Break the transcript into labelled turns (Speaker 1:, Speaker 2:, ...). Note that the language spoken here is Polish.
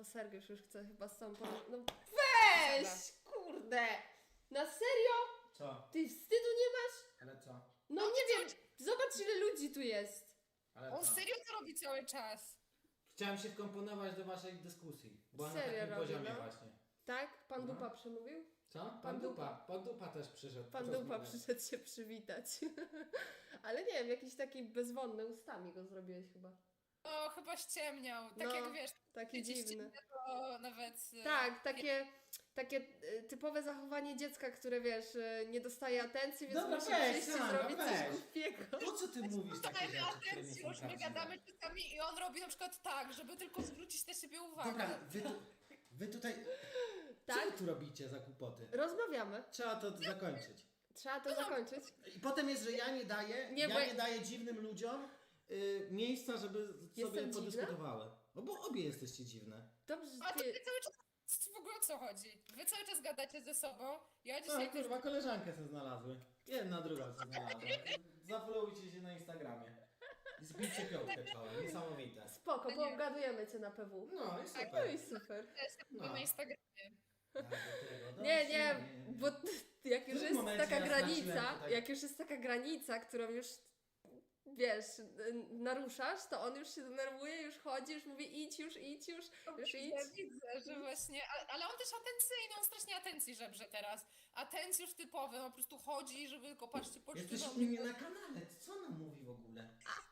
Speaker 1: po Sergiusz już chce chyba z tą No weź! Kurde! Na serio?
Speaker 2: Co?
Speaker 1: Ty wstydu nie masz?
Speaker 2: Ale co?
Speaker 1: No nie wiem, zobacz ile ludzi tu jest.
Speaker 2: Ale
Speaker 3: On
Speaker 2: co?
Speaker 3: serio to robi cały czas.
Speaker 2: Chciałem się wkomponować do waszej dyskusji. Bo na
Speaker 1: Serio
Speaker 2: takim
Speaker 1: robi,
Speaker 2: poziomie
Speaker 1: no.
Speaker 2: właśnie.
Speaker 1: Tak? Pan
Speaker 2: No.
Speaker 1: Dupa przemówił?
Speaker 2: Co?
Speaker 1: Pan Dupa.
Speaker 2: Pan Dupa też przyszedł.
Speaker 1: Pan Dupa
Speaker 2: porozmawiać.
Speaker 1: przyszedł się przywitać. Ale nie wiem, jakiś taki bezwonny ustami go zrobiłeś chyba.
Speaker 3: No, chyba ściemniał. Tak
Speaker 1: No,
Speaker 3: jak wiesz,
Speaker 1: taki
Speaker 3: dzieci
Speaker 1: dziwny.
Speaker 3: to nawet...
Speaker 1: Tak, takie typowe zachowanie dziecka, które wiesz, nie dostaje atencji, więc
Speaker 2: Dobra,
Speaker 1: musi
Speaker 2: weź,
Speaker 1: przyjść i
Speaker 2: Sandra,
Speaker 1: zrobić coś
Speaker 2: weź.
Speaker 1: głupiego.
Speaker 2: Po co ty mówisz takie
Speaker 3: Dajmy
Speaker 2: rzeczy, które nie
Speaker 3: atencję,
Speaker 2: są
Speaker 3: już my
Speaker 2: prawdziwe?
Speaker 3: gadamy czasami i on robi na przykład tak, żeby tylko zwrócić na siebie uwagę.
Speaker 2: Dobra, wy tutaj... Co
Speaker 1: Tak?
Speaker 2: wy tu robicie za kłupoty?
Speaker 1: Rozmawiamy.
Speaker 2: Trzeba to zakończyć.
Speaker 1: Trzeba to zakończyć.
Speaker 2: I potem jest, że ja nie daję,
Speaker 1: Nie, bo-
Speaker 2: nie daję dziwnym ludziom miejsca, żeby sobie
Speaker 1: Jestem
Speaker 2: podyskutowały. No bo obie jesteście dziwne.
Speaker 1: Dobrze,
Speaker 3: A
Speaker 1: że
Speaker 3: to
Speaker 1: ty...
Speaker 3: wy cały czas... W ogóle o co chodzi? Wy cały czas gadacie ze sobą. Ja
Speaker 2: No
Speaker 3: dzisiaj też...
Speaker 2: kurwa, koleżankę sobie znalazły. Jedna, druga sobie znalazła. Zafollowujcie się na Instagramie. I zbijcie piątkę czołem. Niesamowite.
Speaker 1: Spoko, poobgadujemy cię na PW.
Speaker 2: No i
Speaker 1: No
Speaker 2: super.
Speaker 1: i super.
Speaker 3: jestem
Speaker 2: No.
Speaker 3: na Instagramie.
Speaker 2: Tak, do tego.
Speaker 1: Nie,
Speaker 2: Dobrze,
Speaker 1: nie, bo jak już
Speaker 2: tym
Speaker 1: jest
Speaker 2: momencie
Speaker 1: taka
Speaker 2: ja straciłem
Speaker 1: granica,
Speaker 2: tutaj-
Speaker 1: jak już jest taka granica, którą już wiesz, naruszasz, to on już się denerwuje, już chodzi, już mówi idź już, już idź.
Speaker 3: Ja widzę, że właśnie, ale on też atencyjny, on strasznie atencji żebrze teraz. Atencjusz typowy, on po prostu chodzi, żeby tylko patrzcie,
Speaker 2: Jesteś
Speaker 3: poczciwa
Speaker 2: u mnie na kanale. Co ona mówi w ogóle?